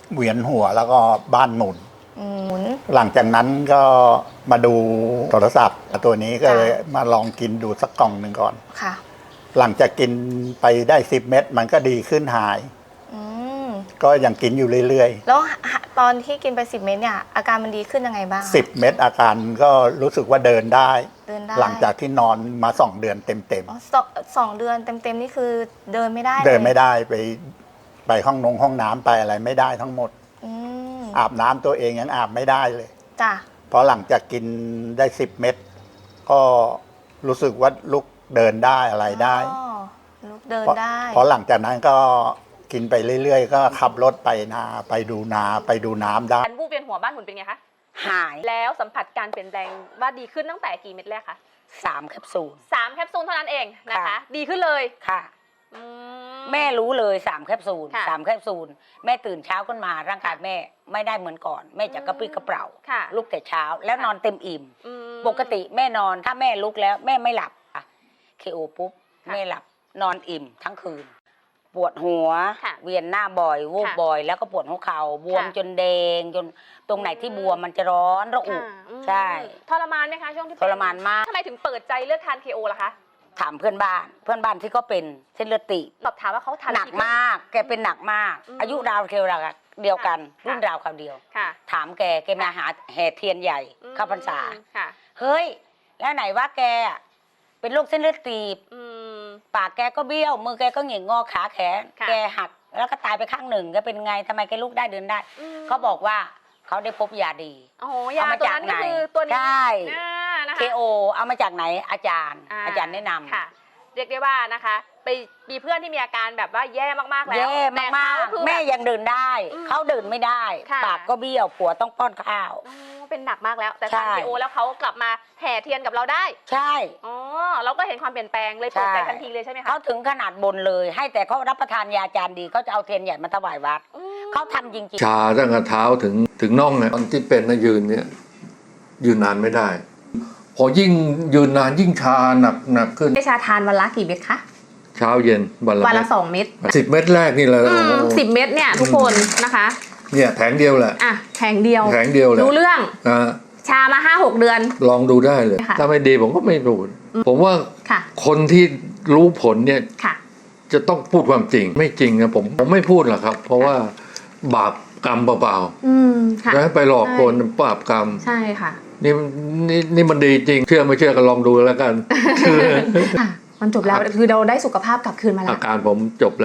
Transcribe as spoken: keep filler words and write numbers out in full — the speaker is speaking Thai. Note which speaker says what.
Speaker 1: เวียนหัวแล้วก็บ้านหมุน
Speaker 2: หมุน
Speaker 1: หลังจากนั้นก็มาดูโทรศัพท์ตัวนี้ก็เลยมาลองกินดูสักกล่องหนึ่งก่อน
Speaker 2: ค่ะ
Speaker 1: หลังจากกินไปได้สิบเม็ดมันก็ดีขึ้นหายก็ยังกินอยู่เรื่อย
Speaker 2: ๆแล้วตอนที่กินไปสิบเม็ดเนี่ยอาการมันดีขึ้นยังไงบ้าง
Speaker 1: สิบเม็ดอาการก็รู้สึกว่าเดินได้
Speaker 2: เดินได้
Speaker 1: หลังจากที่นอนมาสองเดือนเต็ม
Speaker 2: ๆสองสองเดือนเต็มๆนี่คือเดินไม่ได้
Speaker 1: เดินไม่ได้ไปไปห้องนงห้องน้ำไปอะไรไม่ได้ทั้งหมดอาบน้ำตัวเองยังอาบไม่ได้เลย
Speaker 2: จ้ะ
Speaker 1: เพราะหลังจากกินได้สิบเม็ดก็รู้สึกว่าลุกเดินได้อะไรได้
Speaker 2: ลุกเดินได้
Speaker 1: เพราะหลังจากนั้นก็กินไปเรื่อยๆก็ขับรถไปนาไปดูนาไปดูน้ำได้
Speaker 3: การวูบเวียนหัวบ้านหมุนเป็นไงคะ
Speaker 4: หาย
Speaker 3: แล้วสัมผัสการเปลี่ยนแปลงว่าดีขึ้นตั้งแต่กี่เม็ดแรกคะ
Speaker 4: สามแคปซูล
Speaker 3: สามแคปซูลเท่านั้นเองนะคะดีขึ้นเลย
Speaker 4: ค่ะแม่รู้เลยสามแคปซูลสามแคปซูลแม่ตื่นเช้าขึ้นมาร่างกายแม่ไม่ได้เหมือนก่อนแม่จะกระปรี้กระเปร่าลุกแต่เช้าแล้วนอนเต็มอิ่มปกติแม่นอนถ้าแม่ลุกแล้วแม่ไม่หลับเคโอปุ๊บแม่หลับนอนอิ่มทั้งคืนปวดหัวเวียนหน้าบ่อยวูบบ่อยแล้วก็ปวดหัวเข่าบวมจนแดงจนตรงไหนที่บวมมันจะร้อนระอุใช่
Speaker 3: ทรมานไหมคะช่วงที่
Speaker 4: ทรมานมาก
Speaker 3: ทำไมถึงเปิดใจเลือกทานเคโอล่ะคะ
Speaker 4: ถามเพื่อนบ้านเพื่อนบ้านที่ก็เป็นเส้นเลือดตีบ
Speaker 3: สอบถามว่าเขาทาน
Speaker 4: หนักมากแกเป็นหนักมากอายุราวเดียวเดียวกันรุ่นราวคราวเดียวถามแกแกมาหาแห่เทียนใหญ่เข้าพรรษาเฮ้ยแล้วไหนว่าแกเป็นโรคเส้นเลือดตีบปากแกก็เบี้ยวมือแกก็หงิกงอขาแขนแกหักแล้วก็ตายไปข้างหนึ่งแกเป็นไงทำไมแกลุกได้เดินได้เขาบอกว่าเขาได้พบยาดี
Speaker 3: เอามาจากไหนตัวนี้
Speaker 4: ใช่เคโอเอามาจากไหนอาจารย์อาจารย์แนะนำ
Speaker 3: ค่ะเรียกได้ว่านะคะไปมีเพื่อนที่มีอาการแบบว่าแย่มากๆแล้ว
Speaker 4: แย่มากๆแม่ยังเดินได้เขาเดินไม่ได้ปากก็เบี้ยวผัวต้องป้อนข้าว
Speaker 3: เป็นหนักมากแล้วแต่ทานเคโอแล้วเขากลับมาแห่เทียนกับเราได้
Speaker 4: ใช่
Speaker 3: อ๋อเราก็เห็นความเปลี่ยนแปลงเลยเปิดใจทันทีเลยใช่ไหมคะ
Speaker 4: เขาถึงขนาดบนเลยให้แต่เขารับประทานยาจานดีเขาจะเอาเทียนใหญ่มาถวายวัดเขาทำจริง
Speaker 5: ๆชาตั้งแต่เท้าถึงถึงน่องเนี่ยตอนที่เป็นนะยืนเนี่ยยืนนานไม่ได้พอยิ่งยืนนานยิ่งชาหนักหนักขึ้น
Speaker 2: ชาทานวันละกี่เม็ดคะ
Speaker 5: เช้าเย็นวันละ
Speaker 2: วันละสองเม็ด
Speaker 5: สิบเม็ดแรกนี่แหละ
Speaker 2: สิบเม็ดเนี่ยทุกคนนะคะ
Speaker 5: เนี่ยแผงเดียวแหละ
Speaker 2: อ่ะแผงเดียว
Speaker 5: แผงเดียวเลย
Speaker 2: รู้เรื่อง
Speaker 5: นะ
Speaker 2: ชามาห้าหกเดือน
Speaker 5: ลองดูได้เลยถ้าไม่ดีผมก็ไม่พูดผมว่าคนที่รู้ผลเนี่ยจะต้องพูดความจริงไม่จริงนะผมผมไม่พูดหรอกครับเพราะว่าบาปกรรมเปล่าๆแล้วไปหลอกคนบาปกรรม
Speaker 2: ใช่ค่ะ
Speaker 5: นี่นี่นี่มันดีจริงเชื่อไม่เชื่อก็ลองดูแล้วกัน
Speaker 2: มันจบแล้วคือเราได้สุขภาพกลับคืนมาแล้ว
Speaker 5: อาการผมจบแล้ว